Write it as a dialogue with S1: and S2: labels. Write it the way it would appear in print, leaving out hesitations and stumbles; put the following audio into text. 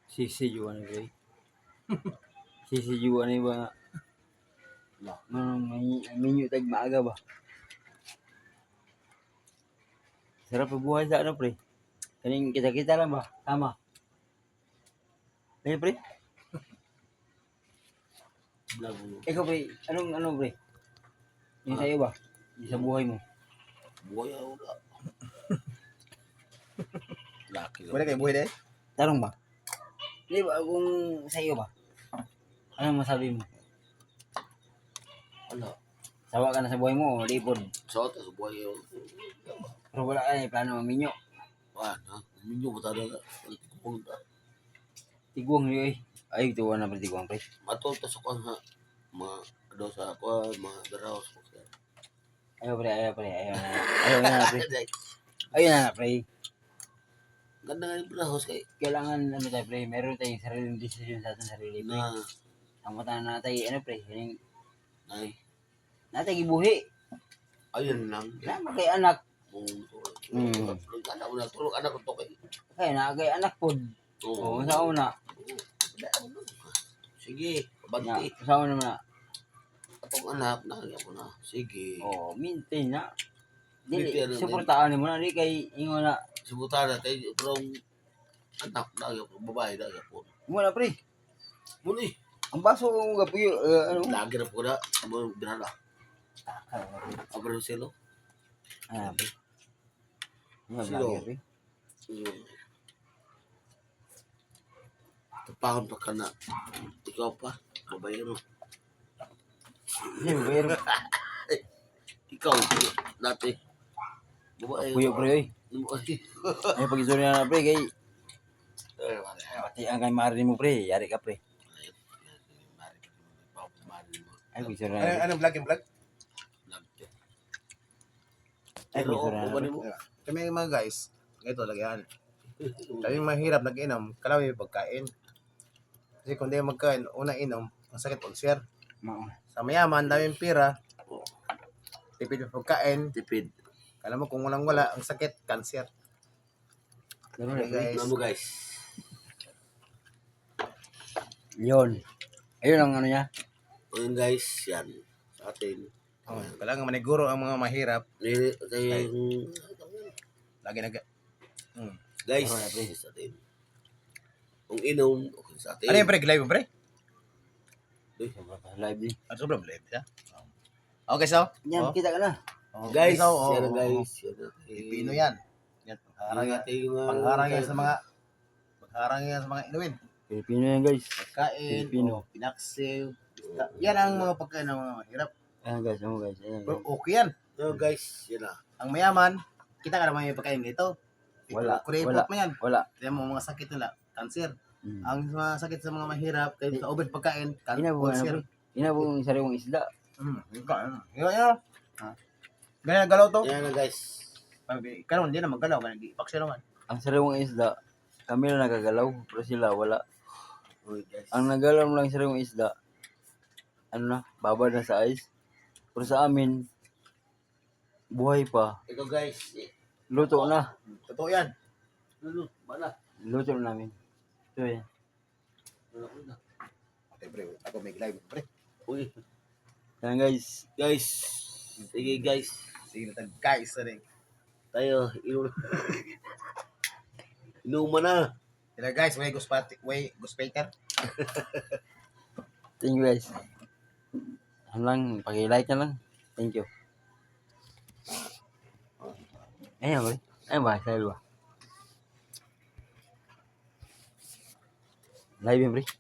S1: Sisijuan ni pre. Sisijuan ni ba nga. Minyo tag maaga ba? Sarap buhay sa ano pre. Kaning kita-kita lang ba? Tama. Ano pre? Ikaw pre, anong pre? Yung sa'yo ba? Yung sa buhay mo?
S2: Buhay ako na. Laki
S3: Wala kayo buhay dahil?
S1: Tarong ba? Di ba kung sa'yo ba? Anong masabi mo?
S2: Wala.
S1: Sawa ka na sa buhay mo o lipod?
S2: Sa atas, buhay ako.
S1: Pero wala ka na plano maminyo.
S2: Wala. Minyo ko talaga. Pupunta.
S1: Tiguang niyo eh. Ay, tuwa na pre tiguang pre.
S2: Matulta sa kwan ha. Mga daw sa kwan, mga garaos.
S1: Ayaw pre, ayaw pre, ayaw na. Ayaw na pre. Ayaw na pre.
S2: Ganda nga yung brahos kay
S1: Kailangan ano tayo pre, meron tayong sariling decision sa ating sarili pre.
S2: na
S1: Ang mata na tayo, ano pre, yung
S2: nay.
S1: natay gibuhi.
S2: Ayun lang.
S1: Nama kay anak.
S2: Anak mo na tulog anak ko to kay.
S1: Kaya na kay anak pod. Oo, sa una.
S2: Sige,
S1: Na,
S2: banti.
S1: sa una na.
S2: Atong anak na ko na. Sige.
S1: Oh, maintain na. Dili,
S2: Maintain na,
S1: suportahan mo na, di kay ingo na.
S2: Subutan na tayo pero anak na yung babae na po.
S1: Mo na pre.
S2: Muli.
S1: Ang baso mo gapuyo, ano?
S2: Lagi na po na. Amo binala. Abro silo.
S1: Ah, pre. Ano
S2: Sino?
S1: ba pre?
S2: Tapahon pa ka na. Ikaw pa. Babayero.
S1: Sino pero
S2: Ikaw. Dati. Babayero.
S1: puyo pre oy. Ay pag-istorya na pre kay pati ang kay mari mo pre, yari ka pre. Ay pag-istorya na.
S3: Anong vlog yung vlog?
S1: Ay
S2: Pero
S1: pag-istorya na.
S2: ubani mo.
S3: Kami mga guys, ito lagyan. Kami mahirap nag-inom, kalawi pagkain. Kasi kung di magkain, una inom, ang sakit ulcer. Sa mayaman, daming pira, tipid yung pagkain.
S2: Tipid.
S3: Kala mo kung walang-wala, ang sakit, cancer.
S1: Pero
S3: Okay, guys.
S2: Ano mo guys?
S1: Yun. Ayun ang ano niya.
S2: Ayun guys. Yan. Sa atin.
S3: Oh, kailangan maniguro ang mga mahirap.
S2: Yung
S3: Lagi nag...
S2: guys.
S1: Ano na, pre?
S2: Sa atin. Kung inom. Okay sa atin.
S3: Ano yung pre? Live mo pre?
S1: Live din.
S3: Ano sobrang live siya? Okay, so?
S1: Yan,
S3: Oh.
S1: kita ka na.
S2: Guys.
S3: So, oh,
S2: Yan
S3: oh,
S2: guys.
S3: oh.
S2: Yan.
S3: Pilipino yan. Yan, pangharang yan sa mga... Pangharang yan sa mga inuwin.
S1: Pilipino yan guys.
S3: Pagkain,
S1: Pilipino.
S3: pinaksil. Yan ang mga pagkain ng mga mahirap.
S1: Ayan guys, ano guys. Ayan,
S3: Pero
S1: guys.
S3: okay yan.
S2: No guys. Yan na.
S3: Ang mayaman, kita ka naman yung pagkain dito.
S1: Wala,
S3: Kuripot mo yan.
S1: Wala.
S3: Kaya mo mga sakit nila, cancer.
S1: Mm.
S3: Ang mga sakit sa mga mahirap, kaya sa over pagkain,
S1: Inabong ano
S3: cancer.
S1: pre. Inabong sariwang isda.
S3: Yan. Ganyan galaw to.
S2: Yan na guys.
S3: Ikaw hindi na maggalaw, ganyan ipak siya naman.
S1: Ang sariwang isda, kami na nagagalaw, pero sila wala.
S2: Okay guys.
S1: Ang nagalaw lang sariwang isda, ano na, babad na sa ice. Pero sa amin, buhay pa.
S2: Ikaw guys.
S1: Luto na.
S3: Totoo yan.
S2: Ano? Bala.
S1: Luto na namin. Ito yan.
S3: Okay, pre, ako may live, pre.
S2: Uy.
S1: Yan guys.
S2: Guys. Sige guys.
S3: Sige na guys, rin.
S2: Tayo. Inuman na.
S3: Sila guys, way guspiter.
S1: Thank you guys. Ano lang, paki-like na lang. Thank you. Ayan ba? Ayan ba? Sa'yo ba? Live yun, pre.